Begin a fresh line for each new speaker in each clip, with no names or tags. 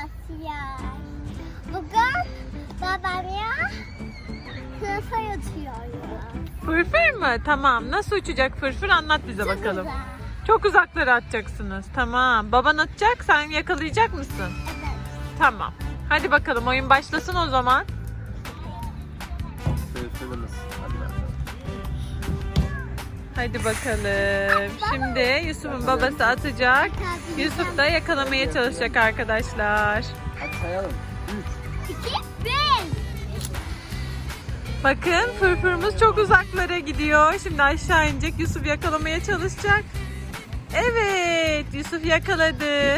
arkadaşlar. Bugün babamla sınıfa yatıyoruz.
Fırfır mı? Tamam. Nasıl uçacak fırfır? Anlat bize bakalım.
Güzel.
Çok uzaklara atacaksınız. Tamam. Baban atacak, sen yakalayacak mısın?
Evet.
Tamam. Hadi bakalım oyun başlasın o zaman.
Söylemez.
Hadi bakalım. Şimdi Yusuf'un babası atacak. Yusuf da yakalamaya çalışacak arkadaşlar.
Hadi sayalım.
2, 1.
Bakın fırfırımız çok uzaklara gidiyor. Şimdi aşağı inecek. Yusuf yakalamaya çalışacak. Evet, Yusuf yakaladı.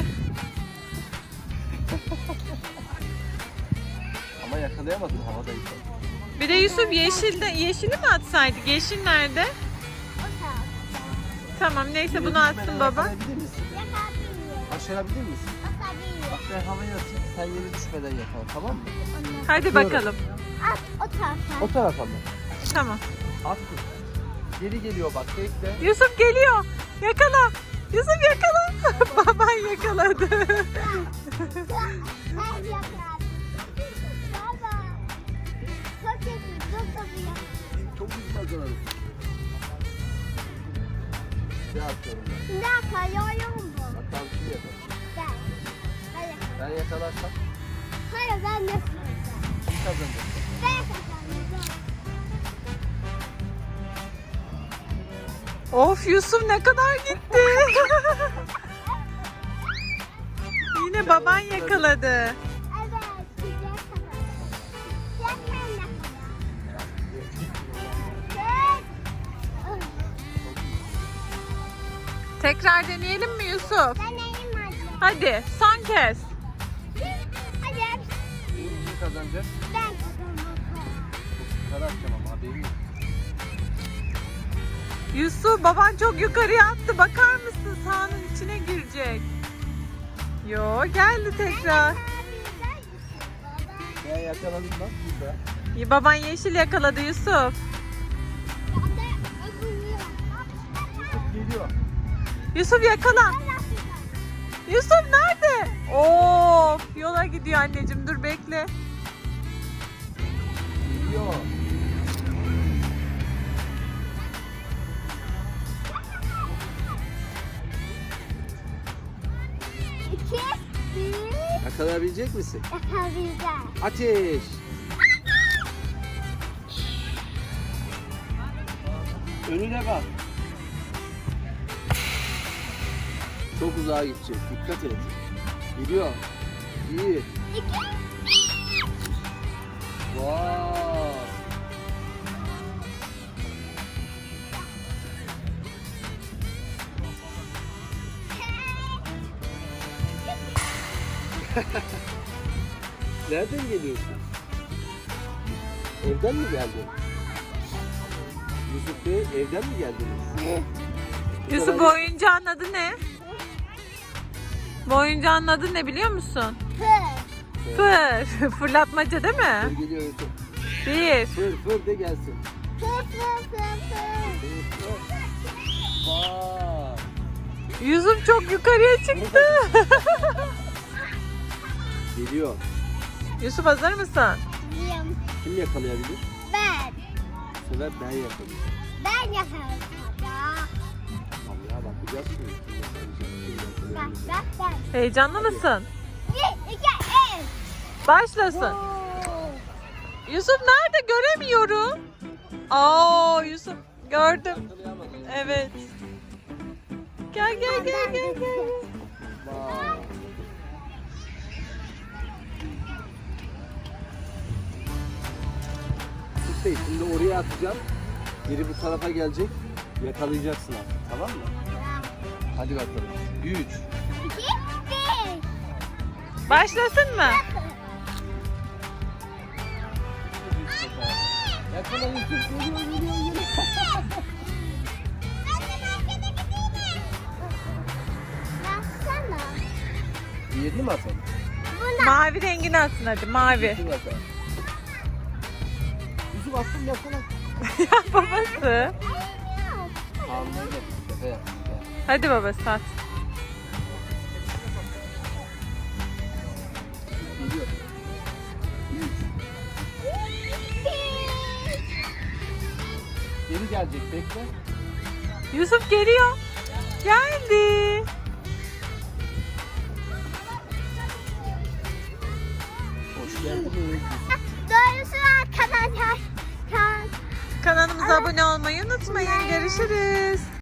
Ama yakalayamadın havadaydı.
Bir de Yusuf yeşili mi atsaydık? Yeşil nerede?
O tarafta.
Tamam neyse bunu atsın baba.
Yakalayabilir misin?
Yakabiliyor.
Başarabilir misin?
Atabiliyor.
Bak ben havaya atayım. Sen yere düşmeden yakala, tamam mı?
Hadi bakalım.
At o tarafa.
O tarafa mı?
Tamam.
At kız. Geri geliyor bak, bekle.
Yusuf geliyor. Yakala. Yusuf yakala. Baban yakaladı.
Ben yakaladım. Baba. Çok kötü. Çok kapıyor.
Çok hızlı hazırladım. Ne atıyorum ben?
Bir dakika yoruyorum bu.
Bakalım kim yakalar.
Gel. Ben yakaladım.
Ben yakalarsam
Hayır ben yakaladım.
kim kazanacak?
Ben yakaladım.
Of Yusuf ne kadar gitti. Yine baban yakaladı.
Evet. Güzel yakaladım. Sen yakaladın.
Tekrar deneyelim mi Yusuf?
Ben neyim acaba?
Hadi son kez.
Hadi.
Kim kazanacak?
Ben kazandım.
Yukarı atacağım ama haberin yok.
Yusuf baban çok yukarıya attı. Bakar mısın sahanın içine girecek. Yo geldi tekrar.
Ben yakaladım bak burada.
Baban yeşil yakaladı Yusuf.
Geliyor.
Yusuf yakala. Yusuf nerede? Of yola gidiyor anneciğim dur bekle.
Geliyor.
İki, bir,
Yakalayabilecek misin?
yakalayacağım.
Ateş. Önüne bak. Çok uzağa gidecek. Dikkat et. Gidiyor. İyi.
İki,
Vay. Nereden geliyorsun? Evden mi geldin? Yusuf Bey evden mi geldiniz?
Yusuf bu oyuncağın adı ne? Bu oyuncağın adı ne biliyor musun?
fır,
Fır. Fırlatmaca değil
Fır
mi?
geliyor Yusuf.
Bir.
Fır de gelsin.
fır, fır, fır, fır.
Fır fır. Vay.
Yusuf çok yukarıya çıktı.
Geliyor.
Yusuf hazır mısın?
Diyeyim.
Kim yakalayabilir?
Ben.
Bu sefer ben yakalayacağım.
Ben yakaladım.
Tamam ya bakacağız şimdi. Kim yakalayacak, kim
Bak,
yakalayacak.
bak, ben.
Heyecanlı mısın?
Bir, iki, üç.
Başlasın. Yusuf nerede? Göremiyorum. Aa Yusuf gördüm.
Yakalayamadım.
Evet. Gel gel gel gel gel.
Vay. Yusuf Bey şimdi oraya atacağım. Geri bu tarafa gelecek. Yakalayacaksın artık, tamam mı? Hadi bakalım. 3.
İki, bir.
Başlasın mı?
Yakala Yusuf. Geliyor.
Baksana.
Diğerini mi atalım?
Mavi rengini atsın hadi mavi.
Yusuf atalım. Yusuf attım yakala.
Ya babası.
Anladım. Şaka yaptım ya.
Hadi babası at.
Geri gelecek, bekle.
Yusuf geliyor. Geldi.
Hoş geldiniz.
Doğrusu arkadaşlar.
Kanalımıza abone olmayı unutmayın. Görüşürüz.